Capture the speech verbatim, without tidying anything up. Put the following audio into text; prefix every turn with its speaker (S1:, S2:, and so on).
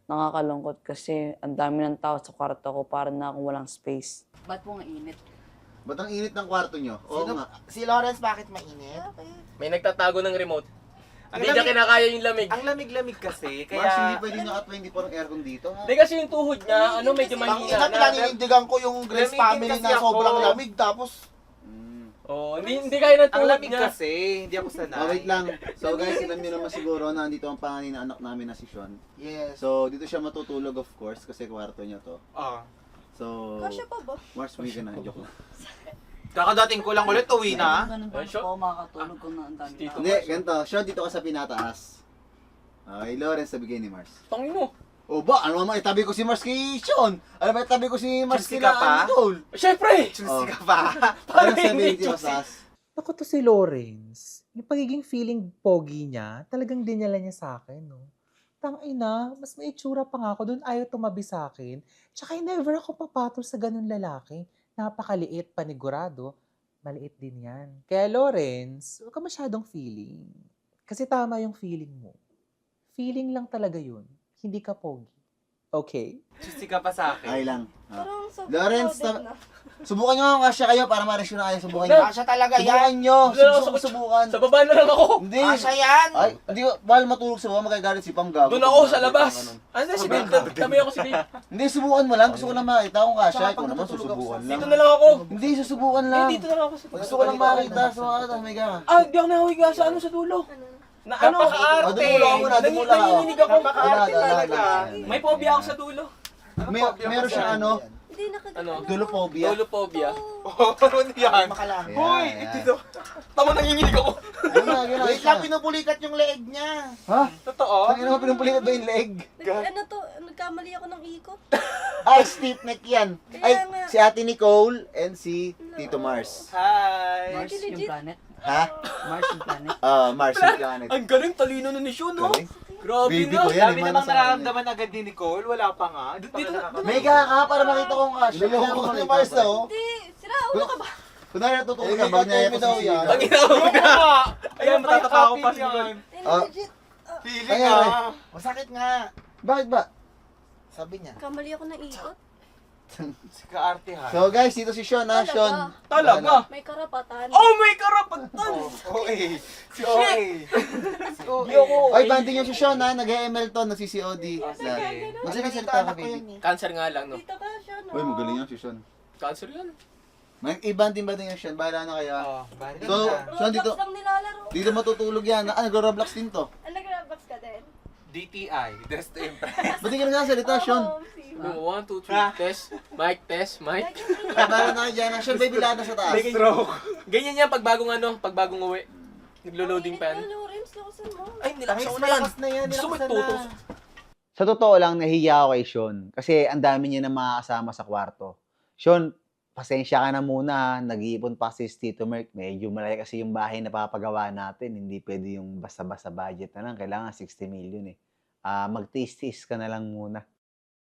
S1: Nakakalungkot kasi ang dami ng tao sa kwarto ko, para na akong walang space.
S2: Ba't po nga init?
S3: Ba't ang init ng kwarto nyo? Oo
S4: Sino,
S3: nga.
S4: si Lawrence bakit mainit?
S5: May nagtatago ng remote.
S4: Ang
S5: Hindi niya
S4: lamig-
S5: kinakaya yung lamig.
S4: Ang lamig-lamig kasi,
S3: Mars, hindi
S4: kaya...
S3: pwede naka twenty-four ang aircon dito. Ha?
S5: Hindi kasi yung tuhod niya, ano, medyo
S4: Ang
S5: mahina
S4: ina,
S5: na.
S4: pinaninindigan ko yung Grace
S5: Lamigin
S4: family
S5: kasi
S4: na
S5: ako.
S4: sobrang lamig, tapos...
S3: Mm.
S5: Oh, hindi hindi kaya ng
S4: Ang
S5: tuhod
S4: lamig
S5: niya.
S4: kasi, hindi ako sanay.
S3: Oh, wait lang. So guys, alam niyo naman siguro na andito ang panganay na anak namin na si Sean.
S4: Yes.
S3: So dito siya matutulog of course kasi kwarto niya to.
S4: Ah.
S3: So
S2: Kasya pa ba?
S3: Mars, may ka na. Joke lang.
S4: Kakadating ko lang ulit, uwi na.
S1: Ganun
S5: Ay,
S1: ba
S5: siya?
S1: ako makakatulog kung na ang dami
S5: Dito.
S1: tao?
S3: Hindi, ganito. Sean, dito ka sa pinataas. Okay, Lawrence, sabigay ni Mars.
S5: Tangin mo.
S3: O ba, ano naman itabi ko si Mars kay Sean? Ano ba itabi ko si Mars
S4: Chelsea
S3: kila
S4: ka pa?
S3: Idol?
S5: Siyempre!
S4: Chusy ka pa.
S3: Ano
S5: Parang
S3: sabihin
S5: hindi
S3: si
S5: juicy.
S3: Masas?
S6: Ako to si Lawrence. Yung pagiging feeling pogi niya, talagang dinala niya sa akin, no? Tangina, mas may itsura pa nga ako doon, ayaw tumabi sa akin. Tsaka never ako papatol sa ganun lalaki. Napakaliit, panigurado. Maliit din yan. Kaya Lawrence, huwag ka masyadong feeling. Kasi tama yung feeling mo. Feeling lang talaga yun. Hindi ka pogi. Okay?
S4: Chusy ka pa sa akin.
S3: Ay lang. Ah.
S2: Parang sobrang
S3: Lawrence,
S2: crowded
S3: ta-
S2: na.
S3: Subukan nyo nga kasya kayo para ma-reaction na kayo. Subukan nyo.
S4: Kasya talaga
S3: Subukan
S4: yan.
S3: nyo.
S5: Wala ako
S3: Subukan,
S5: sa-
S3: subukan.
S5: Sa baba na lang ako.
S3: Hindi.
S4: Kasya yan.
S3: Ay, hindi ko. Mahal matulog sa baba. Magagalit si Pam Gago.
S5: Doon ako sa
S3: Pag-
S5: labas.
S3: ganun.
S5: Ano si Dave? Tabi ako si Dave.
S3: Hindi, subukan mo lang. Gusto ko lang makita kung kasya.
S4: Saka
S3: Ikaw
S4: pag
S3: naman,
S4: natutulog ako
S3: susubukan
S4: sa-
S3: lang.
S5: Dito na lang ako.
S3: Hindi, susubukan
S5: Eh,
S3: lang.
S5: dito na lang ako sa
S3: Gusto ko lang makita. So, ano, may ka.
S5: Ah, di ako nahuhiga sa ano sa dulo.
S2: Ano?
S5: Na ano?
S4: Napaka-arte.
S3: Ah, dumula ako muna,
S5: Nangi-
S3: dumula ako.
S5: Nanginginig ako.
S4: Napaka-arte
S3: Wala, wala,
S4: talaga.
S3: wala.
S5: May phobia ako sa dulo.
S3: May, meron siyang ano,
S2: Hindi nakag...
S5: Ano?
S3: dulophobia.
S5: Dulophobia.
S4: Oh, ano yan?
S2: Makalang.
S4: Hoy,
S3: Ayan,
S4: dito.
S5: Tama, nanginginig ako.
S3: Yun na, yun na,
S4: Wait
S3: isa.
S4: lang, pinupulikat yung leeg niya.
S3: Ha?
S4: Totoo?
S3: Tangina mo, pinumpulikat ba yung leg?
S2: Nag, ano to, nagkamali ako ng ikot.
S3: Ay, stiff neck yan. Ay,
S2: Kaya nga.
S3: si Ate Nicole and si Tito Mars.
S4: Hi.
S1: Mars yung
S2: Legit.
S1: planet?
S3: Ha?
S1: Mars yung planet?
S3: Ah, Mars yung planet.
S5: Ang galing, talino na ni Sean, no?
S3: Galing.
S5: Grabe
S3: Baby
S5: na.
S3: ko yan.
S4: Sabi
S3: eh,
S4: namang
S3: mana sa
S4: nararamdaman agad ni Nicole, wala pa nga. Di pa
S5: Dito-
S4: nga nakaka-
S3: May ka ka para makita kong kasya.
S4: Niloloko ko ni Mars, oh.
S2: Hindi, sira ulo ka ba?
S3: Kunwari natutulog
S4: Eh,
S3: ka,
S4: may
S3: bag niya
S4: katabi
S3: ako
S4: daw
S3: sa
S4: yan.
S5: Ang inawa mo na.
S4: Ayan, matatapa ko pa si
S5: Nicole.
S2: Eh,
S3: Ah.
S2: legit. ah,
S4: Feeling
S3: Ayan,
S4: ka.
S3: eh.
S4: Masakit nga.
S3: Bakit ba?
S4: Sabi niya.
S2: kamali ako ng ikot.
S4: Si kaarte ha.
S3: So guys, dito si Sean ha,
S2: Talaga?
S3: Sean.
S5: Talaga?
S2: May karapatan.
S5: Oh, may karapatan.
S4: O A. Si O A. Si O
S5: Di ako.
S3: Oy, banding yung si Sean ha, nag-M L to, nag-C C O D.
S4: Sige.
S3: Magsalita ka, baby.
S5: Cancer nga lang, no?
S2: Dito ka siya, no?
S3: Uy, magaling yan si Sean.
S5: Cancer yan.
S3: May ibanding ba din yung Sean? Bahala na kayo ha.
S4: Oh, bari
S3: So,
S4: na.
S3: Sean, dito,
S2: Roblox lang nilalaro.
S3: dito matutulog yan. Ah, nag-Roblox din to.
S2: Ah, nag-Roblox ka din?
S4: D T I. Death to Impress.
S3: Ba't di ka nagsasalita, Sean?
S2: Oo, si-
S5: No, one, two, three. Test. Mic, test. Mic.
S2: Lagi yung
S3: Ay, bahala na kayo dyan. ha. Sean, baby, lahat na sa taas.
S4: Stroke.
S5: Ganyan yan pag bagong ano, pag bagong uwi. Naglo-loading pa yan.
S2: Ang init na, Lawrence, lakasan mo.
S5: Ay, nilaksan ko na yan.
S4: Malakas na yan.
S5: Gusto mo
S4: nilakasan
S5: itutos.
S4: na.
S3: Sa totoo lang, nahiya ako kay Sean. Kasi ang dami niya na makakasama sa kwarto. Sean, pasensya ka na muna. ha. Nag-iipon pa si Tito Merc. Medyo malaki kasi yung bahay na papagawa natin. Hindi pwede yung basta-basta budget na lang. Kailangan sixty million eh. Ah, mag-taste-taste ka na lang muna.